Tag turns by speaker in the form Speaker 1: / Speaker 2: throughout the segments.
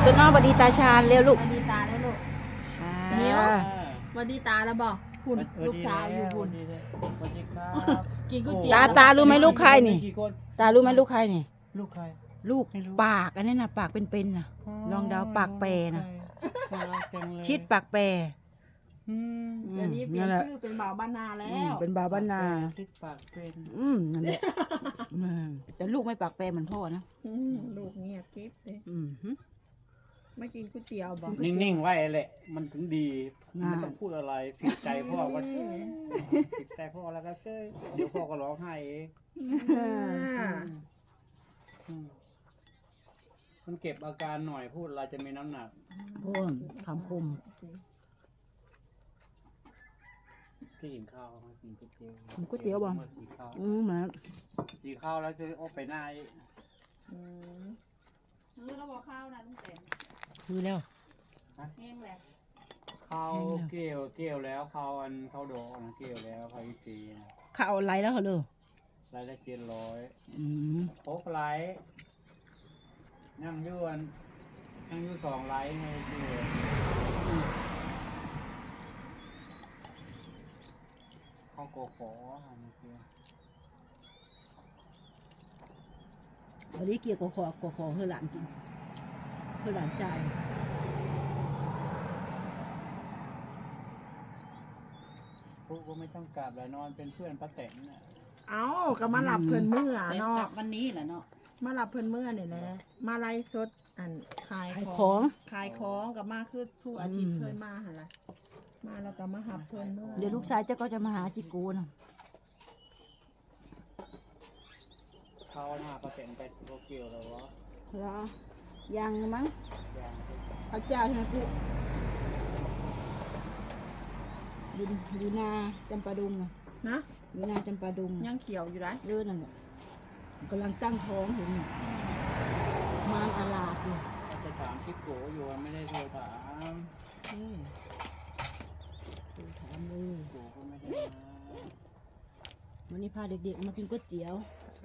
Speaker 1: ต้นอ้อสวัสดีตาชาญเร็วลูก
Speaker 2: สวัสดีตาแล้วลูก มิ้ว สวัสดีตาแล้วบอกคุณลูกสาวอยู่คุณ
Speaker 3: สวัสดีครับ
Speaker 2: กินก๋วยเตี๋ยว
Speaker 1: ตารู้ไหมลูกใครนี่
Speaker 3: กี่คน
Speaker 1: ตารู้ไหมลูกใครนี่
Speaker 3: ลูกใคร
Speaker 1: ลูก
Speaker 3: ไม่รู้
Speaker 1: ปากอันนี้นะปากเป็นๆนะลองเดาปากแปรนะ
Speaker 3: น่ารักจังเลย
Speaker 1: ชิดปากแปร
Speaker 3: อืม
Speaker 2: เดี๋ยวนี้เปลี่ยน
Speaker 1: แหละ
Speaker 2: ชื่อเป็นบ่าวบ้านนาแล้
Speaker 1: เป็นบาบ้านนา
Speaker 3: ชิดปากเป็น
Speaker 1: นั่นแหละแต่ลูกไม่ปากแปรเหมือนพ่อนะ
Speaker 2: ลูกเงียบกิ๊บเลย
Speaker 1: อืมฮึ
Speaker 2: ไม่กินก๋วยเตี๋ยวบอก
Speaker 3: นิ่งๆไว้แหละ มันถึงดี
Speaker 1: น่า
Speaker 3: ไม่ต้องพูดอะไรผิดใจพ่อว่าผิดใจพ่อแล้วก็เจ้ยเดี๋ยวพ่อก็ร้องไห้เองอืมมันเก็บอาการหน่อยพูดอะไรจะมีน้ำหนัก
Speaker 1: พ่อคำคม
Speaker 3: ที่กินข้าวมากินก๋วยเตี๋ยว
Speaker 1: กินก๋วยเตี๋ยวบ่
Speaker 3: มาสีข้าว
Speaker 1: เหมือน
Speaker 3: สีข้าวแล้วจะโอ้ไปหน้าอีก
Speaker 2: เราบอกข้าวนะลุงแตน
Speaker 1: คือแล้ว
Speaker 2: แห้งแหละ
Speaker 3: ข้าวเกลียวแล้วข้าวอันข้าวดอกนะเกลียวแล้วข้าวอีซีนะ
Speaker 1: ข้าวไรแล้วเหรอเลย
Speaker 3: รายละ700
Speaker 1: อืม
Speaker 3: โอ๊กไลท์นั่งอยู่อันนั่งอยู่2 ไลท์ให้ดูข้าวโกโก้อันนี้คือ
Speaker 1: วันนี้เกี่ยวกับขอเพื่อหลานกินเพื่อหลานชาย
Speaker 3: พวกก็ไม่ต้องกลับแล้วนอนเป็นเพื่อนป้าแตนน่ะ
Speaker 2: เอ้าก็มาหลับเพิ่นเมื่อเนาะ
Speaker 4: วันนี้แหละเนาะ
Speaker 2: มาหลับเพิ่นเมื่อเนี่ยแหละมาไล่สดอันขาย
Speaker 1: ขาย
Speaker 2: ข
Speaker 1: ข
Speaker 2: อ
Speaker 1: อง ง
Speaker 2: ขายของกับมาคือทุกอาทิตย์
Speaker 1: อืม
Speaker 2: เคยมาหาละมาแล้วก็มาหับเพิ่นเมื่อ
Speaker 1: เดี๋ยวลูกชายเจ้าก็จะมาหาจิโกนะ
Speaker 3: ข้าวหน้าป้าแตนไปโตเกียวแล้ววะ
Speaker 1: แล้วยังมั้ง
Speaker 3: อย่าง
Speaker 1: พระเจ้าใช่ไหมกูดูนาจำปาดุงนะ
Speaker 2: นะ
Speaker 1: ดูนาจำปาดุง
Speaker 2: ยังเขียวอยู่ไร
Speaker 1: นั่นแหละกำลังตั้งท้องเห็นอยู่มารอาลาดอยู่
Speaker 3: จะถามที่โกอยู่ไม่ได้โทรถาม
Speaker 1: เฮ้ยดูถามเลย
Speaker 3: โกก็ไม่ได้มา
Speaker 1: วันนี้พาเด็กๆมากินก๋วยเตี๋ยว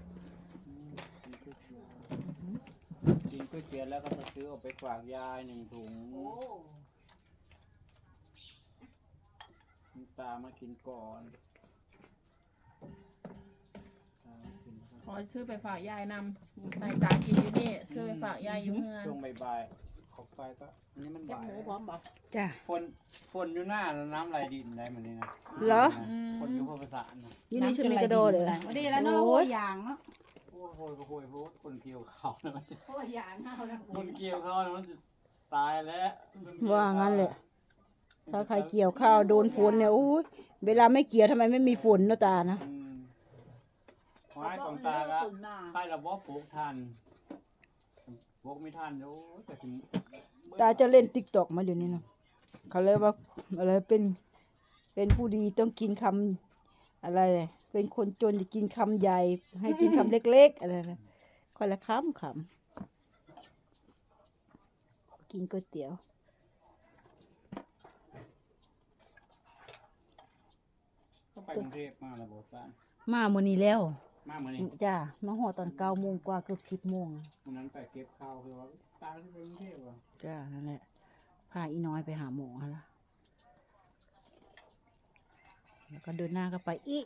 Speaker 3: กินก๋วยเตี๋ยวแล้วก็จะซื้อออกไปฝากยาย1 ถุงตามากินก่อนตามากินก่อน
Speaker 2: ขอซื้อไปฝากยายนำใส่ตากินอยู่นี่ซื้อไปฝากยายอยู่เมือง
Speaker 3: ช่วงบ่ายๆออกไปก็อันนี้มันบ่าย
Speaker 1: จ้ะ
Speaker 3: ฝนอยู่หน้าน้ำไหลดินได้เหมือนนี้นะ
Speaker 1: เหรอ
Speaker 3: ฝนอยู่พวกภาษานะ
Speaker 1: ยี่นี่ชุดมีกระโดดเลยนะ
Speaker 4: วันนี้แล้วเนาะ
Speaker 1: โอ้
Speaker 4: โอ้
Speaker 1: ย
Speaker 4: ยอย่างเนาะ
Speaker 3: โอ้โหโอ้โหคนเกี่ยวเขานะมัน
Speaker 4: โอ้ยอย่างเอาละ
Speaker 3: คนเกี่ยวเขานะมันจะตายแล้ว
Speaker 1: ว่างั้นแหละ ถ้าใครเกี่ยวข้าวโดนฝนเนี่ยอู้ยเวลาไม่เกี่ยวทำไมไม่มีฝนเนาะตานะ
Speaker 3: ไม้ของตาก็ใช่ระบบปลูกทันปลูกไม่ทันโอ้แต่ถึง
Speaker 1: ตาจะเล่นติ๊กตอกมาเดี๋ยวนี้นะเขาเลยว่าอะไรเป็นผู้ดีต้องกินคำอะไรเลยเป็นคนจนจะกินคำใหญ่ ให้กินคำเล็กๆอะไรนะค่อยละคำกินก๋วยเตี๋ยว
Speaker 3: ก็ไปกรุงเทพมาแล้วบอกว่า
Speaker 1: มาโมอนี้แล้ว
Speaker 3: มาเหมือนนี้
Speaker 1: จ้ามาหอตอน9 โมงกว่าเกือบ10 โมงอะ
Speaker 3: วันนั้นไปเก็บข้าวคือว่าตาที่ไปกรุงเทพว่ะ
Speaker 1: จ้านั่นแหละพาอีน้อยไปหาหมอฮะละแล้วก็เดินหน้าก็ไปอีก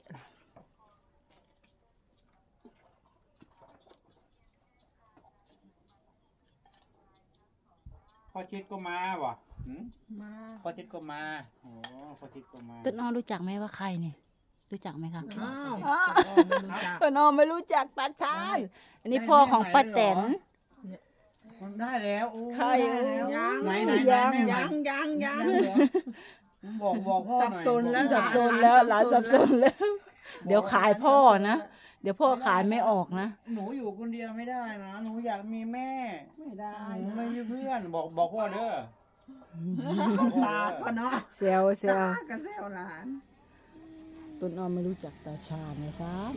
Speaker 3: พ่อชิดก็มาว่ะหืม
Speaker 2: มา
Speaker 3: พ่อชิดก็มาโอ้พ่อชิดก็มา
Speaker 1: ต้นอ้อรู้จักไหมว่าใครเนี่ยรู้จักไหมคะ
Speaker 2: อ้าว
Speaker 1: อ้าว
Speaker 2: ไม่รู้จัก
Speaker 1: ต้นอ้อไม่รู้จักตาชานอันนี้พ่อของป้าแตน
Speaker 3: มันได้แล้วโอ้
Speaker 1: ใคร
Speaker 3: ได้แล้ว
Speaker 2: ยัง
Speaker 3: ไหนไหน
Speaker 1: ยัง
Speaker 3: ไหนแม่
Speaker 2: ยัง
Speaker 3: บอกพ่อ
Speaker 2: สับสนแล้ว
Speaker 1: สับสนแล้วหลานสับสนแล้ว เดี๋ยวขายพ่อนะเดี๋ยวพ่อขายไม่ออกนะ
Speaker 3: หนูอยู่คนเดียวไม่ได้นะหนูอยากมีแม่
Speaker 2: ไม่ได้
Speaker 3: หนูไม่มีเพื่อนบอกพ่อเด้อ
Speaker 2: ตาก็เนาะ
Speaker 1: เซลเซล
Speaker 2: ตาก็เซลหลาน
Speaker 1: ต้นอ้อไม่รู้จักตาชาญนะชาน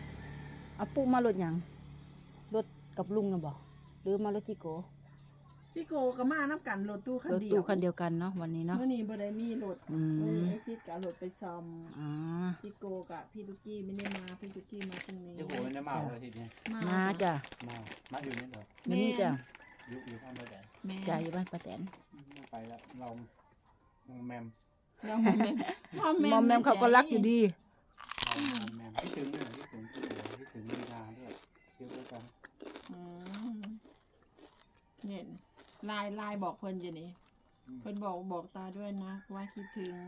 Speaker 1: เอาปุ๊มารถหยังรถกับลุงนะบอกหรือมารถจิโก
Speaker 2: ที่โกก็มาน้ำกันรถตู้คัน
Speaker 1: รถ
Speaker 2: เดียว
Speaker 1: ตู้คันเดียวกันเนาะวันนี้เนาะ
Speaker 2: เมื่อนี้บ่ได้มีรถ
Speaker 1: อื
Speaker 2: เมื่อ
Speaker 1: ม
Speaker 2: นี้ไอซิดกับรถไปซ่อม
Speaker 1: อ๋อ
Speaker 2: พี่โกกับพี่ลูกกี้ไม่ได้มาพี่ลูกกี้มาพรุ่งนี้
Speaker 3: เจ้าหัวมันจะมาเลยทีนี้
Speaker 1: มาจ้ะ
Speaker 3: มาอยู่นี่เหรอ
Speaker 1: วันนี้จ้ะ
Speaker 3: อยู่ข้างบ้านแดด
Speaker 2: แม่
Speaker 1: จ่ายอยู่บ้านป้าแตน
Speaker 3: ไม่ไปแล้วเราแมม
Speaker 2: เราแม่
Speaker 1: มอมแมมเขาก็รักอยู่ดี
Speaker 3: เราแมมคิดถึงเลยคิดถึงลีลาด้วยเที่ยวด้วยกัน
Speaker 2: อืมเนี่ยไลน์บอกเพิ่นอยู่นี่เพิ่นบอกตาด้วยนะว่าคิดถึง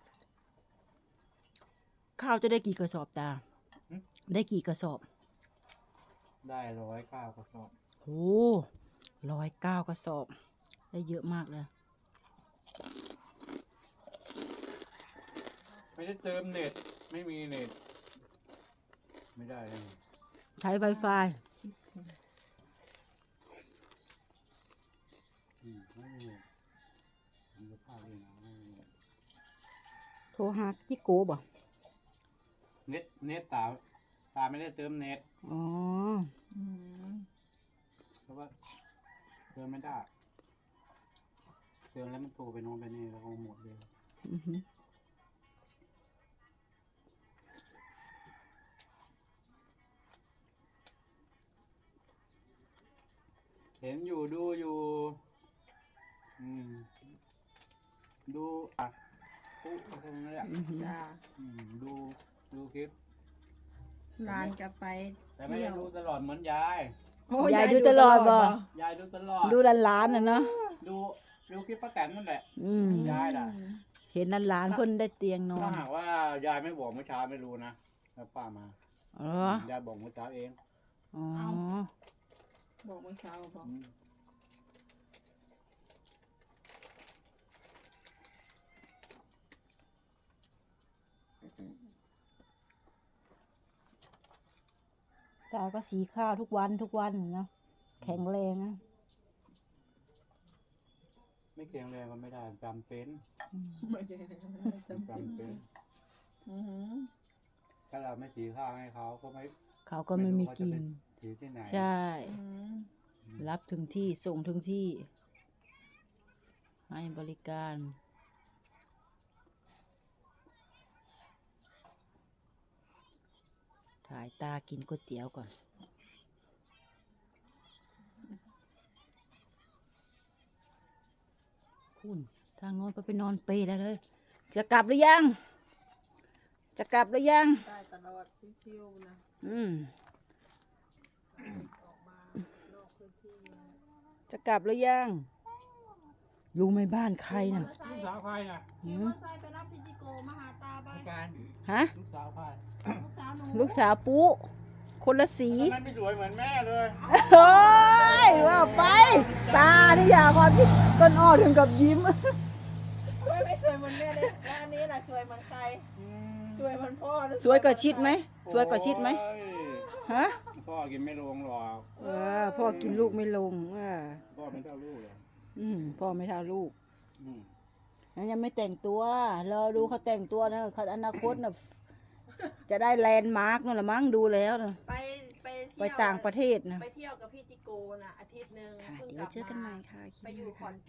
Speaker 1: ข้าวจะได้กี่กระสอบตา ได้กี่กระสอบ
Speaker 3: ได้109กระสอบ
Speaker 1: โอ้109กระสอบ ได้เยอะมากเลย
Speaker 3: ไม่ได้เติมเน็ตไม่มีเน็ตไม่ได้เลย
Speaker 1: ใช้ Wi-Fi
Speaker 3: ไม่มีผมจะพาเองไม่มี
Speaker 1: โทรหาจิโกบ่
Speaker 3: เน็ตตาไม่ได้เติมเน็ต
Speaker 1: อ๋อ
Speaker 2: อืม
Speaker 3: เพราะว่าเติมไม่ได้เติมแล้วมันโทรไปโน้นไปนี่แล้วก็หมดเลย
Speaker 1: อือหือ
Speaker 3: เห็นอยู่ดูอยู่ดูปุ๊บตรงนี้แหละ
Speaker 1: อือหือ
Speaker 2: จ้า
Speaker 3: ดูคลิป
Speaker 2: ร้านกลับไป
Speaker 3: แต่ไม่
Speaker 2: เที่ย
Speaker 3: ได้
Speaker 2: ว
Speaker 3: ดูตลอดเหมือนยาย
Speaker 2: โอ้
Speaker 1: ยายดูตลอดบ่
Speaker 3: ยายดูตลอด
Speaker 1: ดูหลานๆน่ะเนาะ
Speaker 3: ดูคลิปป้าแตนนั่นแหละ
Speaker 1: อืม
Speaker 3: ยายน่ะ
Speaker 1: เห็นหลานๆเพิ่นได้เตียงนอ
Speaker 3: ถ้าน หากว่ายายไม่บอกเมื่อเช้าไม่รู้นะแล้วป้ามา
Speaker 1: อ๋อย
Speaker 3: ายบอกเมื่อเช้าเอง
Speaker 1: อ๋อ
Speaker 2: บอกเมื่อเช้าบอก
Speaker 3: อืม
Speaker 1: ตาก็สีข้าวทุกวันเนาะแข็งแรงนะ
Speaker 3: ไม่เกรงแรงก็ไม่ได้จำเป็น
Speaker 2: ไม่ได้จำ
Speaker 3: จำเป็น
Speaker 2: อือหือ
Speaker 3: ถ้าเราไม่สีข้าวให้เขาก็ไม่
Speaker 1: เขาก็ไม่มีกิน
Speaker 3: สีที่ไหน
Speaker 1: ใช่
Speaker 2: อืม
Speaker 1: รับถึงที่ส่งถึงที่ ให้บริการ ถ่ายตากินก๋วยเตี๋ยวก่อน คุณทางโน้นไปนอนเปรย์ได้เลย จะกลับหรือยัง จะกลับหรือยัง
Speaker 2: ได้ตลอดเที่ยวนะ
Speaker 1: อืม
Speaker 2: ออกมานอกพื้นที่นะ
Speaker 1: จะกลับหรือยัง รู้ไหมบ้านใครน่ะ
Speaker 3: ลูกสาวใครน่ะ
Speaker 1: หืม
Speaker 2: ขี่มอเตอร์ไซค์ไปรับพี่จิโกมาหาตาไป
Speaker 3: การ
Speaker 1: ฮะ
Speaker 3: ลูกสาวใคร
Speaker 2: ลูกสาวหนู
Speaker 1: ลูกสาวปุ๊คนละสี
Speaker 3: ทำไมไม่สวยเหมือนแม่เลย
Speaker 1: โอ้ยว่าไป ตานี่อย่าความที่ต้นอ้อถึงกับยิ้ม
Speaker 2: ไม่สวยเหมือนแม่เลยแล้วอันนี้ล่ะสวยเหมือนใคร สวยเหมือนพ่อหรือ
Speaker 1: สวยกว่าชิดไหม สวยกว่าชิดไหม
Speaker 3: โอ้ย
Speaker 1: ฮะ
Speaker 3: พ่อกินไม่ลงหรอก
Speaker 1: พ่อกินลูกไม่ลงว่า
Speaker 3: พ่อไม่เท่าลูกเลย
Speaker 1: พ่อไม่เท่าลูก
Speaker 3: อืม
Speaker 1: นั้นยังไม่แต่งตัวรอดูเขาแต่งตัวนะเขาอนาคตน่ะจะได้แลนด์มาร์กนั่นแหละมั้งดูแล้วนะ
Speaker 2: ไป
Speaker 1: ไป
Speaker 2: เที่ยว
Speaker 1: ต่างประเทศนะ
Speaker 2: ไปเที่ยวกับพี่จิโกนะอาทิตย์หนึ่ง
Speaker 1: ค่ะ
Speaker 2: พิ่ง
Speaker 1: เดี๋ยวเจอกันใหม่
Speaker 2: ลับา
Speaker 1: ค่ะคลิป
Speaker 2: ไป
Speaker 1: นี้
Speaker 2: อยู่
Speaker 1: นะ
Speaker 2: ขอ
Speaker 1: คะ
Speaker 2: น